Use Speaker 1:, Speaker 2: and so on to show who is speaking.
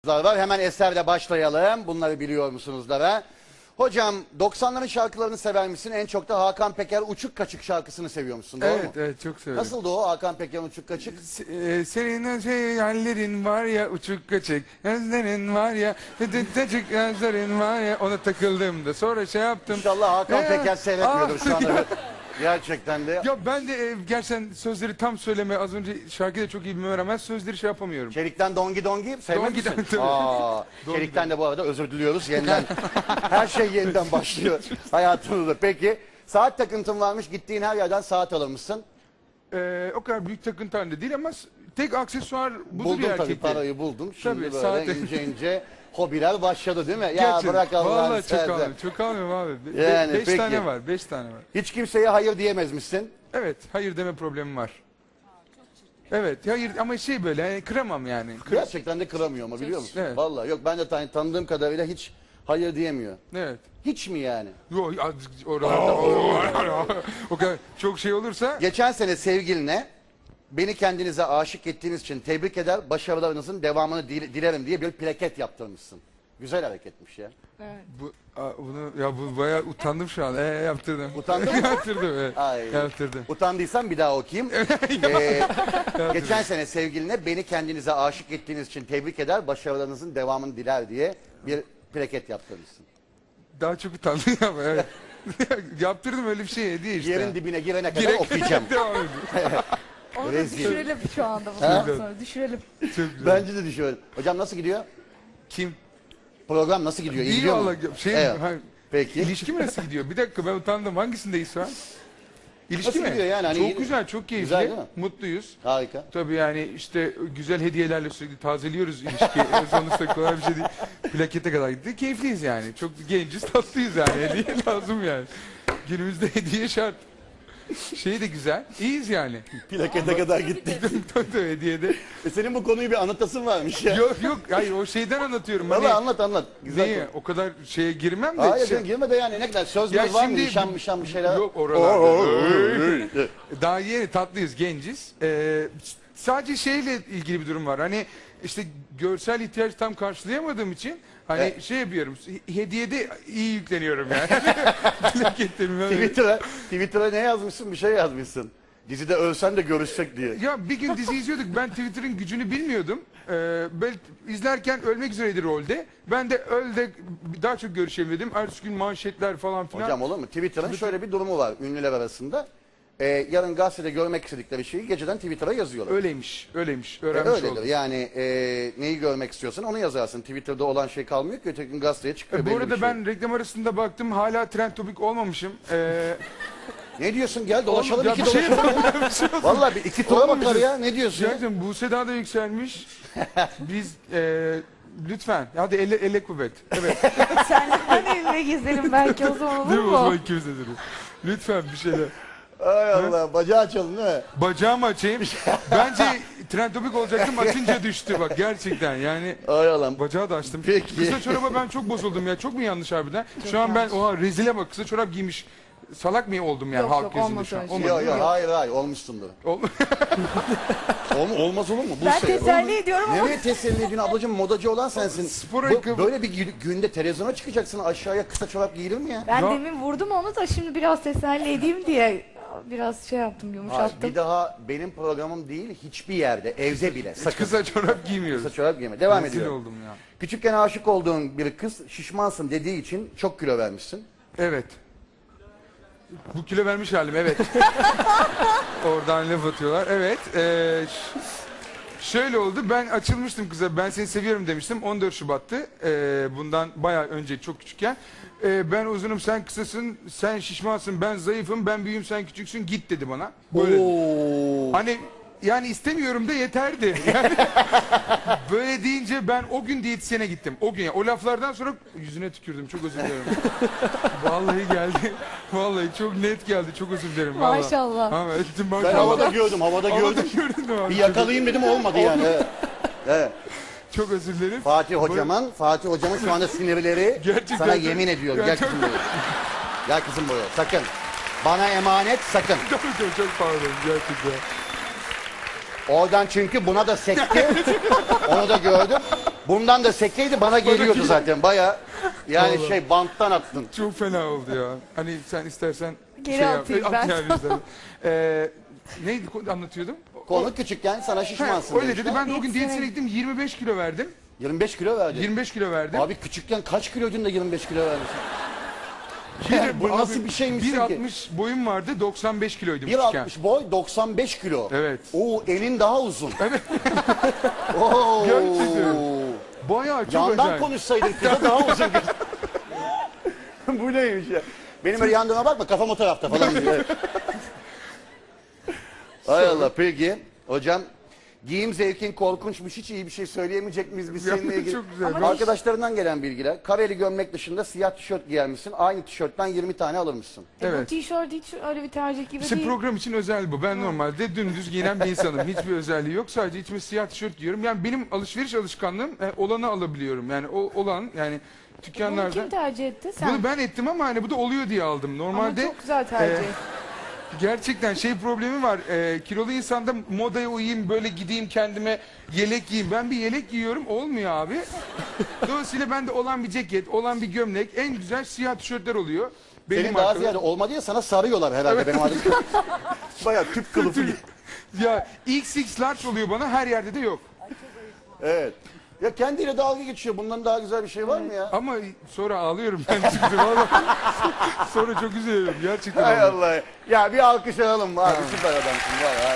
Speaker 1: var. Hemen eserle başlayalım. Bunları biliyor musunuz da? Hocam 90'ların şarkılarını sever misin? En çok da Hakan Peker Uçuk Kaçık şarkısını seviyor musun? Doğru mu?
Speaker 2: Evet çok severim.
Speaker 1: Nasıldı o Hakan Peker'in Uçuk Kaçık?
Speaker 2: Senin hallerin var ya uçuk kaçık, gözlerin var ya, tıcık gözlerin var ya, ona takıldım da sonra şey yaptım.
Speaker 1: İnşallah Hakan Peker seyretmiyordur şu anda. Gerçekten de.
Speaker 2: Ya ben de gerçekten sözleri tam söyleme, az önce şarkıyı da çok iyi bilmeme rağmen sözleri şey yapamıyorum.
Speaker 1: Çelik'ten Dongi Dongi sevmez
Speaker 2: Dongi
Speaker 1: misin?
Speaker 2: Dongi,
Speaker 1: Aa, Çelik'ten de bu arada özür diliyoruz. Yeniden her şey yeniden başlıyor hayatımızda. Peki saat takıntın varmış, gittiğin her yerden saat alırmışsın.
Speaker 2: O kadar büyük takıntı halinde değil ama tek aksesuar budur
Speaker 1: Buldum
Speaker 2: ya
Speaker 1: tabii,
Speaker 2: erkekte.
Speaker 1: parayı buldum. Şimdi
Speaker 2: Tabii,
Speaker 1: böyle
Speaker 2: saate.
Speaker 1: ince ince hobiler başladı değil mi? Ya
Speaker 2: Gerçekten.
Speaker 1: bırak Allah'ını
Speaker 2: Vallahi çok
Speaker 1: seversen.
Speaker 2: almıyorum. Çok almıyorum abi.
Speaker 1: Yani,
Speaker 2: 5
Speaker 1: peki.
Speaker 2: tane var. 5 tane var.
Speaker 1: Hiç kimseye hayır diyemezmişsin.
Speaker 2: Evet. Hayır deme problemim var. Evet. Hayır ama şey böyle yani kıramam yani.
Speaker 1: Gerçekten de kıramıyor ama biliyor musun?
Speaker 2: Evet.
Speaker 1: Vallahi yok, ben de tanıdığım kadarıyla hiç hayır diyemiyor.
Speaker 2: Evet.
Speaker 1: Hiç mi yani?
Speaker 2: Yok oralarda o kadar çok şey olursa
Speaker 1: Geçen sene sevgiline beni kendinize aşık ettiğiniz için tebrik eder, başarılarınızın devamını dilerim diye bir plaket yaptırmışsın. Güzel hareketmiş ya.
Speaker 2: bu bayağı utandım şu an. Yaptırdım.
Speaker 1: Utandın mı?
Speaker 2: Yaptırdım evet.
Speaker 1: Ay.
Speaker 2: Yaptırdım.
Speaker 1: Utandıysan bir daha okuyayım. Geçen sene sevgiline beni kendinize aşık ettiğiniz için tebrik eder, başarılarınızın devamını diler diye bir plaket yaptırmışsın.
Speaker 2: Daha çok utandım ama evet. Yaptırdım öyle bir şey hediye işte.
Speaker 1: Yerin dibine girene kadar okuyacağım.
Speaker 2: Devam edin.
Speaker 3: Onu da
Speaker 1: Rezil.
Speaker 3: düşürelim şu anda bundan sonra. Düşürelim.
Speaker 2: Çok güzel.
Speaker 1: Bence de düşünüyorum. Hocam nasıl gidiyor?
Speaker 2: Kim?
Speaker 1: Program nasıl gidiyor? İyi
Speaker 2: İyi
Speaker 1: gidiyor mu?
Speaker 2: valla.
Speaker 1: Evet.
Speaker 2: Peki. İlişki mi nasıl gidiyor? Bir dakika ben utandım. Hangisindeyiz şu an? İlişki
Speaker 1: Nasıl
Speaker 2: mi?
Speaker 1: gidiyor yani? Hani
Speaker 2: çok
Speaker 1: iyi-
Speaker 2: güzel, çok keyifli.
Speaker 1: Güzel değil mi?
Speaker 2: Mutluyuz.
Speaker 1: Harika.
Speaker 2: Tabii yani işte güzel hediyelerle sürekli tazeliyoruz ilişkiyi. Sonuçta kolay bir şey değil. Plakete kadar gitti. Keyifliyiz yani. Çok genciz, tatlıyız yani. Hediye lazım yani. Günümüzde hediye şart. Şey de güzel. İyiyiz yani.
Speaker 1: Plakete kadar gittik.
Speaker 2: Tabii hediyede.
Speaker 1: Senin bu konuyu bir anlatasın varmış ya.
Speaker 2: Yok yok. Hayır o şeyden anlatıyorum.
Speaker 1: Valla anlat. Güzel
Speaker 2: Neyi?
Speaker 1: konu.
Speaker 2: O kadar şeye girmem de.
Speaker 1: Hayır
Speaker 2: şey-
Speaker 1: sen girme de yani ne kadar söz
Speaker 2: Ya
Speaker 1: mü var mı?
Speaker 2: şimdi-
Speaker 1: Nişan bir şeyler.
Speaker 2: Yok oralarda. Daha yeni tatlıyız, genciz. Sadece şeyle ilgili bir durum var. Hani işte görsel ihtiyaç tam karşılayamadığım için hani
Speaker 1: Evet.
Speaker 2: şey yapıyorum. Hediyede iyi yükleniyorum yani. Plakette bilmem ne.
Speaker 1: Twitter'a ne yazmışsın? Bir şey yazmışsın. Dizide ölsen de görüşsek diye.
Speaker 2: Ya bir gün dizi izliyorduk. Ben Twitter'ın gücünü bilmiyordum. Ben izlerken ölmek üzereydi rolde. Ben de öl de daha çok görüşelim dedim. Ertesi gün manşetler falan filan.
Speaker 1: Hocam olur mu? Twitter'ın şöyle bir durumu var ünlüler arasında. Yarın gazetede görmek istedikleri şeyi geceden Twitter'a yazıyorlar.
Speaker 2: Öyleymiş. Öğrenmiş
Speaker 1: Öyledir.
Speaker 2: oldum.
Speaker 1: Yani neyi görmek istiyorsan onu yazarsın. Twitter'da olan şey kalmıyor ki öteki gün gazeteye çıkıyor.
Speaker 2: Bu
Speaker 1: belli
Speaker 2: arada
Speaker 1: bir şey.
Speaker 2: ben reklam arasında baktım hala trend topik olmamışım.
Speaker 1: Ne diyorsun? Gel dolaşalım,
Speaker 2: Ya
Speaker 1: iki
Speaker 2: bir şey
Speaker 1: dolaşalım. Vallahi bir iki tura bakar
Speaker 2: Olmamışız.
Speaker 1: ya. Ne diyorsun ya?
Speaker 2: Gerçekten Buse daha da yükselmiş. Biz lütfen hadi elle kuvvet. Evet.
Speaker 3: Sen evime gezelim belki o zaman olur
Speaker 2: Değil mi? O
Speaker 3: mu?
Speaker 2: zaman ikimiz de dedim. Lütfen bir şeyler.
Speaker 1: Ay Allah, bacağı açalım değil mi?
Speaker 2: Bacağımı açayım. Bence trend topik olacaktım açınca düştü bak gerçekten yani.
Speaker 1: Ay Allah.
Speaker 2: Bacağı da açtım.
Speaker 1: Peki.
Speaker 2: Kısa çoraba ben çok bozuldum ya. Çok mu yanlış harbiden? Şu an ben oha rezile bak kısa çorap giymiş. Salak mı oldum yani
Speaker 3: Yok,
Speaker 2: halk
Speaker 3: yok,
Speaker 2: gözünde
Speaker 3: olmaz
Speaker 2: şu an?
Speaker 3: öyle şey.
Speaker 2: Olmadı
Speaker 1: Yok
Speaker 2: değil mi?
Speaker 1: hayır olmuşsundur.
Speaker 2: Ol-
Speaker 1: Olmaz olur mu?
Speaker 3: Ben
Speaker 1: Buse,
Speaker 3: teselli ediyorum ama
Speaker 1: nereye teselli ediyorsun ablacığım, modacı olan sensin.
Speaker 2: Spor ayakkabı-
Speaker 1: Böyle bir günde televizyona çıkacaksın, aşağıya kısa çorap giyilir mi ya?
Speaker 3: ben
Speaker 2: Ya-
Speaker 3: demin vurdum onu da şimdi biraz teselli edeyim diye biraz şey yaptım,
Speaker 1: Hayır,
Speaker 3: yumuşattım.
Speaker 1: bir daha benim programım değil, hiçbir yerde, evde bile sakın
Speaker 2: Kısa çorap giymiyoruz.
Speaker 1: kısa çorap giyme. Devam
Speaker 2: Rezil
Speaker 1: ediyor.
Speaker 2: oldum ya.
Speaker 1: Küçükken aşık olduğun bir kız şişmansın dediği için çok kilo vermişsin.
Speaker 2: Evet. Bu kilo vermiş halim evet. Oradan laf atıyorlar. Evet. Şöyle oldu. Ben açılmıştım kıza. Ben seni seviyorum demiştim. 14 Şubat'tı. Bundan bayağı önce çok küçükken. Ben uzunum sen kısasın. Sen şişmansın. Ben zayıfım. Ben büyüğüm sen küçüksün. Git dedi bana. Böyle.
Speaker 1: Oo.
Speaker 2: Hani yani istemiyorum da yeterdi. Yani böyle deyince ben o gün diyetisyene gittim. O gün yani, o laflardan sonra yüzüne tükürdüm. Çok özür dilerim. Vallahi geldi. Vallahi çok net geldi. Çok özür dilerim. Vallahi.
Speaker 3: Maşallah.
Speaker 2: Ha, ettim,
Speaker 1: Ben
Speaker 2: maşallah.
Speaker 1: havada gördüm.
Speaker 2: Havada gördün mü abi?
Speaker 1: Bir yakalayayım dedim, olmadı yani. Evet. Evet.
Speaker 2: Çok özür dilerim.
Speaker 1: Fatih hocamın şu anda sinirleri
Speaker 2: Gerçekten
Speaker 1: sana
Speaker 2: çok-
Speaker 1: yemin ediyorum.
Speaker 2: Ya
Speaker 1: Gel
Speaker 2: çok-
Speaker 1: kızım buraya. Gel kızım buraya. Sakın. Bana emanet, sakın.
Speaker 2: Çok pardon gerçekten.
Speaker 1: Oradan çünkü buna da sekti. Onu da gördüm. Bundan da sekkeydi bana geliyordu zaten. Baya yani
Speaker 2: Vallahi.
Speaker 1: banttan attın.
Speaker 2: Çok fena oldu ya. Hani sen istersen
Speaker 3: Geri atayım ben.
Speaker 2: yani istersen. Neydi anlatıyordum?
Speaker 1: Konu küçükken sana şişmansın
Speaker 2: Öyle
Speaker 1: demişler.
Speaker 2: dedi. Ben de o gün
Speaker 3: Diyetisyene
Speaker 2: diyetisyene gittim. 25 kilo verdim.
Speaker 1: 25 kilo verdin.
Speaker 2: 25 kilo verdim.
Speaker 1: Abi küçükken kaç kiloydun da 25 kilo verdin?
Speaker 2: Bir-
Speaker 1: bu
Speaker 2: abi,
Speaker 1: nasıl bir şeymişsin ki?
Speaker 2: 1.60 boyum vardı. 95 kiloydum küçükken.
Speaker 1: 1.60 boy 95 kilo.
Speaker 2: Evet.
Speaker 1: Oo elin daha uzun.
Speaker 2: Evet.
Speaker 1: Oo.
Speaker 2: Gerçekten. Bayağı çok
Speaker 1: Yandan
Speaker 2: acayip.
Speaker 1: konuşsaydın kıza daha uzun. Bu neymiş ya? Benim öyle yandığıma bakma kafam o tarafta falan diyor. Hay Allah peki. Hocam giyim zevkin korkunçmuş hiç iyi bir şey söyleyemeyecek miyiz biz
Speaker 2: Ya,
Speaker 1: seninle ilgili?
Speaker 2: çok güzel.
Speaker 3: Ama
Speaker 1: Arkadaşlarından gelen bilgiler. Kareli gömlek dışında siyah tişört giyermişsin. Aynı tişörtten 20 tane alırmışsın.
Speaker 3: Bu
Speaker 2: Evet.
Speaker 3: tişört hiç öyle bir tercih gibi
Speaker 2: İşte
Speaker 3: değil.
Speaker 2: program için özel bu. Ben normalde dümdüz giyinen bir insanım. Hiçbir özelliği yok. Sadece içime siyah tişört giyiyorum. Yani benim alışveriş alışkanlığım olanı alabiliyorum. Yani o olan yani
Speaker 3: Bunu
Speaker 2: dükkanlarda.
Speaker 3: kim tercih etti? Sen.
Speaker 2: Bunu ben ettim ama hani bu da oluyor diye aldım. Normalde
Speaker 3: Ama çok güzel tercih.
Speaker 2: gerçekten şey problemi var. Kilolu insanda modaya uyayım, böyle gideyim kendime yelek giyeyim. Ben bir yelek giyiyorum, olmuyor abi. Dolayısıyla bende olan bir ceket, olan bir gömlek, en güzel siyah tişörtler oluyor. Benim
Speaker 1: Senin daha
Speaker 2: markalarım-
Speaker 1: ziyade olmadı ya sana sarıyorlar herhalde benim adım. Bayağı tüp kılıfı gibi.
Speaker 2: Ya XX large oluyor bana, her yerde de yok.
Speaker 1: Evet. Ya kendiyle dalga geçiyor. Bundan daha güzel bir şey var mı ya?
Speaker 2: Ama sonra ağlıyorum ben çünkü vallahi. Sonra çok üzülüyorum gerçekten.
Speaker 1: Hay
Speaker 2: ağlıyorum.
Speaker 1: Allah. Ya bir alkış alalım. Abi süper adamsın. Vay,